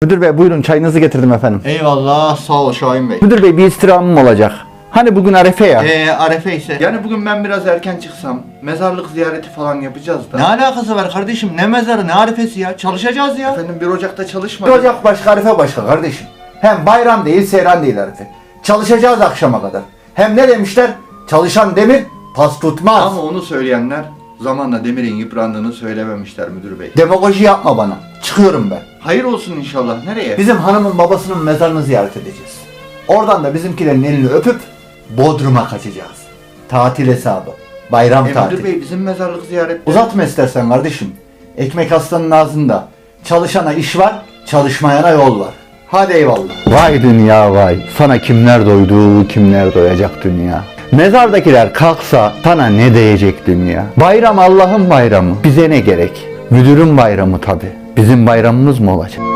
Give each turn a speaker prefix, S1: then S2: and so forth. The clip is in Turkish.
S1: Müdür bey buyurun, çayınızı getirdim efendim.
S2: Eyvallah, sağ ol Şahin Bey.
S1: Müdür bey bir istirhamım olacak. Hani bugün Arefe ya.
S2: Arefe ise. Yani bugün ben biraz erken çıksam, mezarlık ziyareti falan yapacağız da. Ne alakası var kardeşim? Ne mezarı, ne arefesi ya? Çalışacağız ya. Efendim 1 Ocak'ta çalışmadık.
S1: 1 Ocak başka, Arefe başka kardeşim. Hem bayram değil, seyran değil Arefe. Çalışacağız akşama kadar. Hem ne demişler? Çalışan demir pas tutmaz.
S2: Ama onu söyleyenler zamanla demirin yıprandığını söylememişler müdür bey.
S1: Demagoji yapma bana. Çıkıyorum ben.
S2: Hayır olsun inşallah. Nereye?
S1: Bizim hanımın babasının mezarını ziyaret edeceğiz. Oradan da bizimkilerin elini öpüp Bodrum'a kaçacağız. Tatil hesabı. Bayram tatili.
S2: Müdür bey bizim mezarlık ziyareti.
S1: Uzatma istersen kardeşim. Ekmek aslanın ağzında. Çalışana iş var, çalışmayana yol var. Hadi eyvallah. Vay dünya vay. Sana kimler doydu, kimler doyacak dünya. Mezardakiler kalksa sana ne diyecek dünya. Bayram Allah'ın bayramı. Bize ne gerek? Müdürün bayramı tabi. Bizim bayramımız mı olacak?